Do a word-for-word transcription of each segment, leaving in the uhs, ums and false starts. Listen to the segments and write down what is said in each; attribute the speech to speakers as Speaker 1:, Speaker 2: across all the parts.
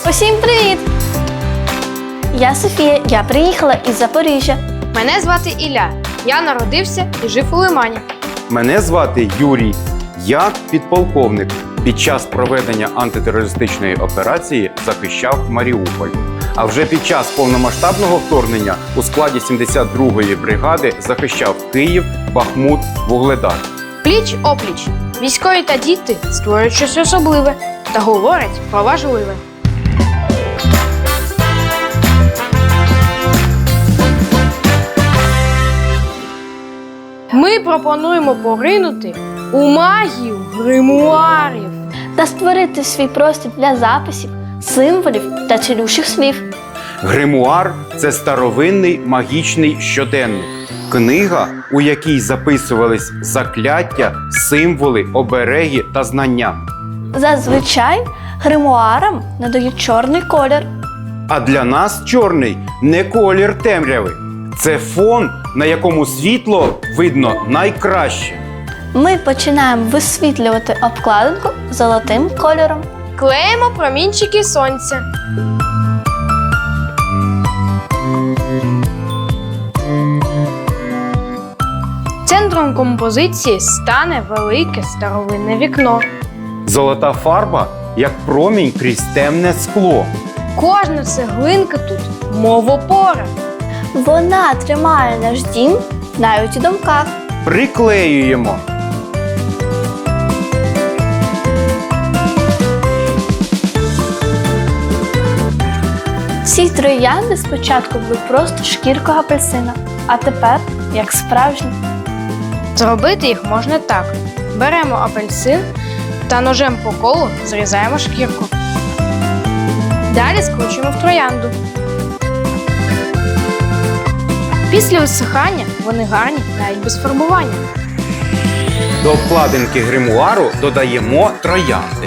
Speaker 1: Усім привіт! Я Софія, я приїхала із Запоріжжя.
Speaker 2: Мене звати Ілля. Я народився і жив у Лимані.
Speaker 3: Мене звати Юрій. Я підполковник. Під час проведення антитерористичної операції захищав Маріуполь. А вже під час повномасштабного вторгнення у складі сімдесят другої бригади захищав Київ, Бахмут, Вугледар.
Speaker 2: Пліч-опліч. Військові та діти створюють щось особливе та говорять про важливе. Ми пропонуємо поринути у магію гримуарів.
Speaker 1: Та створити свій простір для записів, символів та цілющих слів.
Speaker 3: Гримуар – це старовинний магічний щоденник. Книга, у якій записувались закляття, символи, обереги та знання.
Speaker 1: Зазвичай гримуарам надають чорний колір.
Speaker 3: А для нас чорний не колір темряви. Це фон, на якому світло видно найкраще.
Speaker 1: Ми починаємо висвітлювати обкладинку золотим кольором.
Speaker 2: Клеїмо промінчики сонця. Центром композиції стане велике старовинне вікно.
Speaker 3: Золота фарба, як промінь крізь темне скло.
Speaker 2: Кожна цеглинка тут мов опора.
Speaker 1: Вона тримає наш дім навіть у думках.
Speaker 3: Приклеюємо.
Speaker 1: Ці троянди спочатку були просто шкіркою апельсина, а тепер як справжні.
Speaker 2: Зробити їх можна так. Беремо апельсин та ножем по колу зрізаємо шкірку. Далі скручуємо в троянду. Після висихання вони гарні навіть без фарбування.
Speaker 3: До обкладинки гримуару додаємо троянди.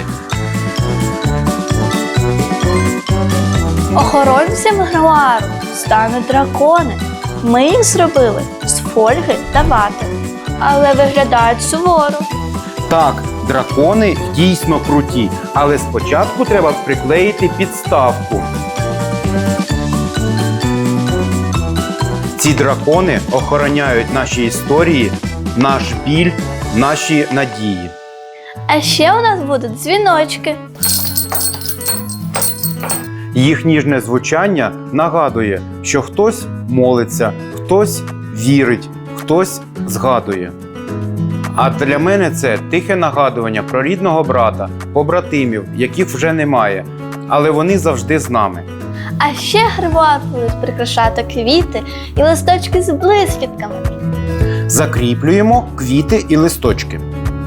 Speaker 1: Охоронцями гримуару стануть дракони. Ми їх зробили з фольги та вати, але виглядають суворо.
Speaker 3: Так, дракони дійсно круті, але спочатку треба приклеїти підставку. Ці дракони охороняють наші історії, наш біль, наші надії.
Speaker 1: А ще у нас будуть дзвіночки.
Speaker 3: Їх ніжне звучання нагадує, що хтось молиться, хтось вірить, хтось згадує. А для мене це тихе нагадування про рідного брата, побратимів, яких вже немає, але вони завжди з нами.
Speaker 1: А ще гримуар будуть прикрашати квіти і листочки з блискітками.
Speaker 3: Закріплюємо квіти і листочки.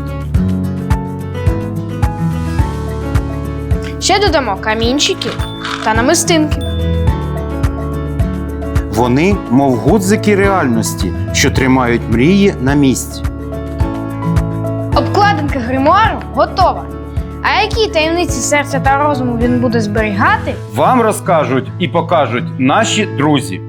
Speaker 2: Ще додамо камінчики та намистинки.
Speaker 3: Вони, мов гудзики реальності, що тримають мрії на місці.
Speaker 2: Обкладинка гримуару готова. А які таємниці серця та розуму він буде зберігати?
Speaker 3: Вам розкажуть і покажуть наші друзі.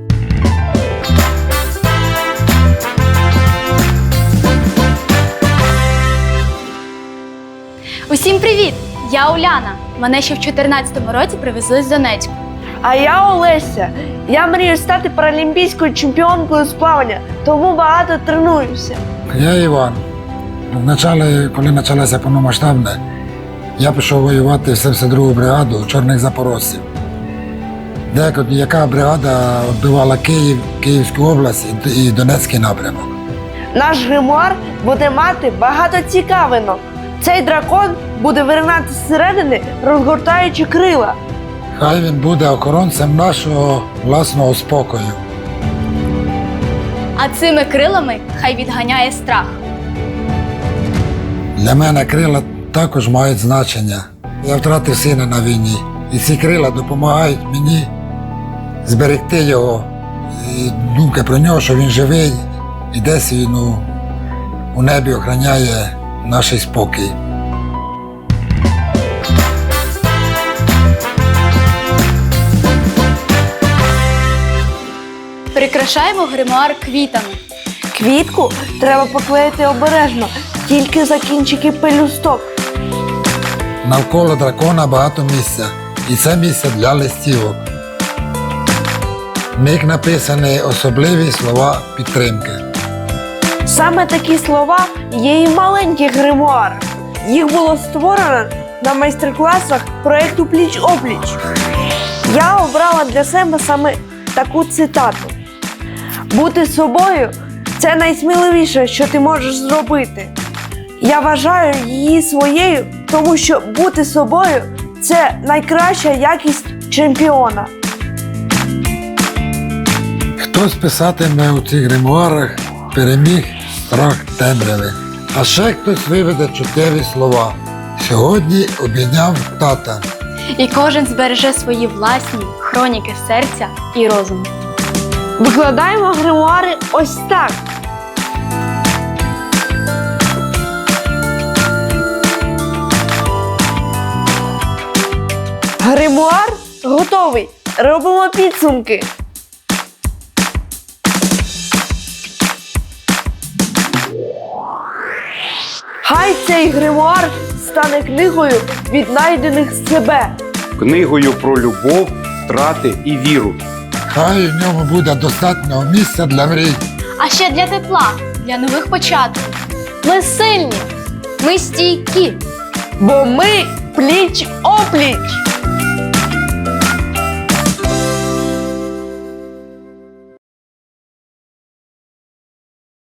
Speaker 4: Усім привіт! Я Уляна. Мене ще в чотирнадцятому році привезли з Донецьку.
Speaker 5: А я Олеся. Я мрію стати паралімпійською чемпіонкою з плавання, тому багато тренуюся.
Speaker 6: Я Іван. Вначале, коли почалося повномасштабне, я пішов воювати в сімдесят другу бригаду чорних запорожців. Деяка яка бригада відбивала Київ, Київську область і Донецький напрямок.
Speaker 5: Наш гримуар буде мати багато цікавинок. Цей дракон буде виринати зсередини, розгортаючи крила.
Speaker 6: Хай він буде охоронцем нашого власного спокою.
Speaker 4: А цими крилами хай відганяє страх.
Speaker 6: Для мене крила також мають значення. Я втратив сина на війні, і ці крила допомагають мені зберегти його. І думка про нього, що він живий і десь він у, у небі охороняє наш спокій.
Speaker 4: Прикрашаємо гримуар квітами.
Speaker 5: Квітку треба поклеїти обережно, тільки за кінчики пелюсток.
Speaker 6: Навколо дракона багато місця. і це місце для листівок. В них написані особливі слова підтримки.
Speaker 5: Саме такі слова є і в маленьких гримуарах. Їх було створено на майстер-класах проєкту «Пліч-опліч». Я обрала для себе саме таку цитату. «Бути собою – це найсміливіше, що ти можеш зробити». Я вважаю її своєю, тому що бути собою – це найкраща якість чемпіона.
Speaker 6: Хтось писатиме у цих гримуарах «Переміг страх темряви», а ще хтось виведе чотири слова. Сьогодні обійняв тата.
Speaker 4: І кожен збереже свої власні хроніки серця і розуму.
Speaker 5: Викладаємо гримуари ось так. Гримуар готовий. Робимо підсумки. Хай цей гримуар стане книгою віднайдених себе.
Speaker 3: Книгою про любов, втрати і віру.
Speaker 6: Хай в ньому буде достатньо місця для мрій.
Speaker 4: А ще для тепла, для нових початків.
Speaker 1: Ми сильні.
Speaker 2: Ми стійкі.
Speaker 5: Бо ми пліч-опліч.